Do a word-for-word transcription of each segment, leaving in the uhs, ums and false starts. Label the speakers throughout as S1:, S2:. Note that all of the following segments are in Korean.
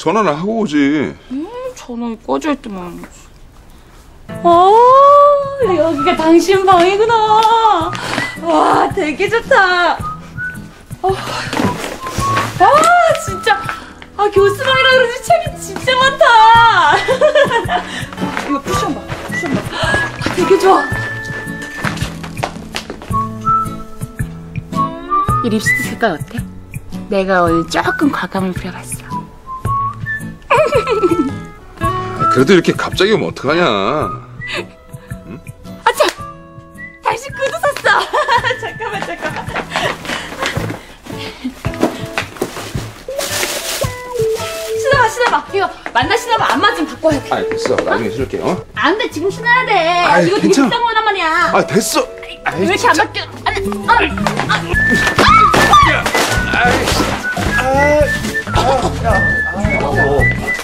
S1: 전화는 하고 오지.
S2: 음, 전화기 꺼져 있더만. 아, 여기가 당신 방이구나. 와, 되게 좋다. 아, 아 진짜. 아, 교수방이라 그러지 책이 진짜 많다. 이거 쿠션 봐, 쿠션 봐. 아, 되게 좋아. 이 립스틱 색깔 어때? 내가 오늘 조금 과감을 부려봤어.
S1: 그래도 이렇게 갑자기 오면 어떡하냐. 응?
S2: 아, 참! 당신 구두 샀어. 잠깐만, 잠깐만. 신어봐, 신어봐. 이거 만나 신어봐. 안 맞으면 바꿔야 돼.
S1: 아, 됐어. 나중에 신을게. 어?
S2: 안 돼, 지금 신어야 돼.
S1: 아이,
S2: 이거 되게
S1: 괜찮아.
S2: 비싼 거란 말이야.
S1: 아, 됐어. 아이,
S2: 왜 이렇게
S1: 진짜.
S2: 안 맞겨? 안 돼. 아, 아.
S1: 아이, 아이, 아, 야, 아, 어.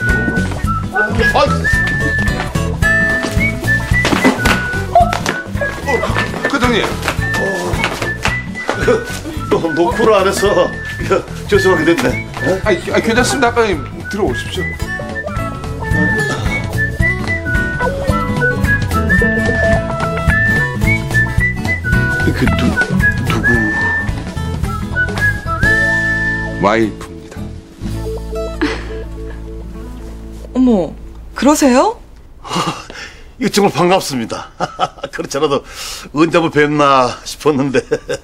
S1: 어, 과장님.
S3: 너 노크를 안 해서 죄송하게 됐네. 어?
S1: 아, 아, 괜찮습니다. 아까 들어오십시오.
S3: 그 누, 누구?
S1: 와이프입니다.
S4: 어머, 그러세요?
S3: 이거 정말 반갑습니다. 그렇지 않아도 언제 한번 뵙나 싶었는데.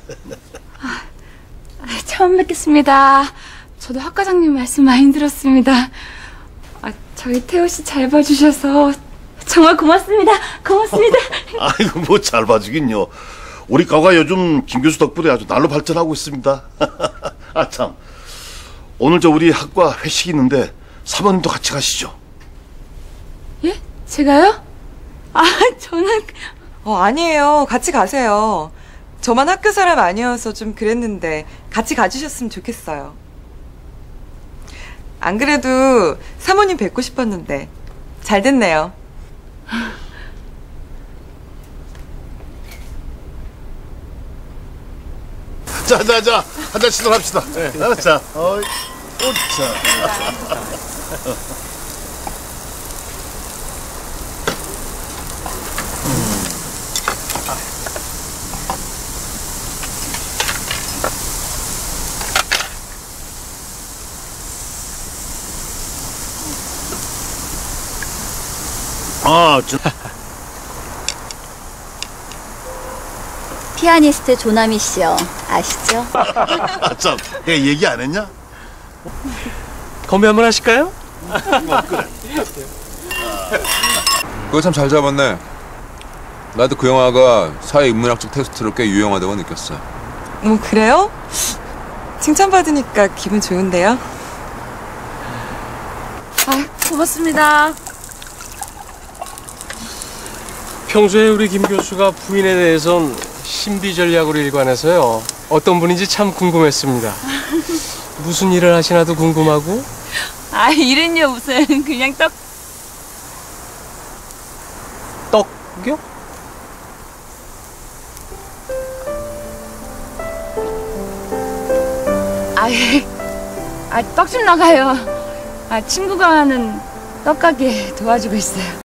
S2: 처음 뵙겠습니다. 저도 학 과장님 말씀 많이 들었습니다. 아, 저희 태호 씨 잘 봐주셔서 정말 고맙습니다. 고맙습니다.
S3: 아이고 뭐 잘 봐주긴요. 우리 과가 요즘 김 교수 덕분에 아주 날로 발전하고 있습니다. 아 참, 오늘 저 우리 학과 회식이 있는데 사모님도 같이 가시죠.
S2: 예? 제가요? 아, 저는...
S4: 어, 아니에요. 같이 가세요. 저만 학교 사람 아니어서 좀 그랬는데 같이 가주셨으면 좋겠어요. 안 그래도 사모님 뵙고 싶었는데 잘 됐네요.
S3: 자자자 한 잔씩 합시다. 네. 자, 어이, 오차. 아, 저...
S5: 피아니스트 조남희 씨요. 아시죠?
S3: 아, 참, 내가 얘기 안 했냐?
S6: 건배 한번 하실까요?
S3: 뭐, 그래.
S1: 그거 참 잘 잡았네. 나도 그 영화가 사회 인문학적 테스트로 꽤 유용하다고 느꼈어.
S4: 뭐 그래요? 칭찬받으니까 기분 좋은데요?
S2: 아, 고맙습니다.
S6: 평소에 우리 김 교수가 부인에 대해선 신비 전략으로 일관해서요. 어떤 분인지 참 궁금했습니다. 무슨 일을 하시나도 궁금하고.
S2: 아, 일은요 무슨 그냥 떡...
S6: 떡요?
S2: 아, 아, 떡 좀 나가요. 아, 친구가 하는 떡가게 도와주고 있어요.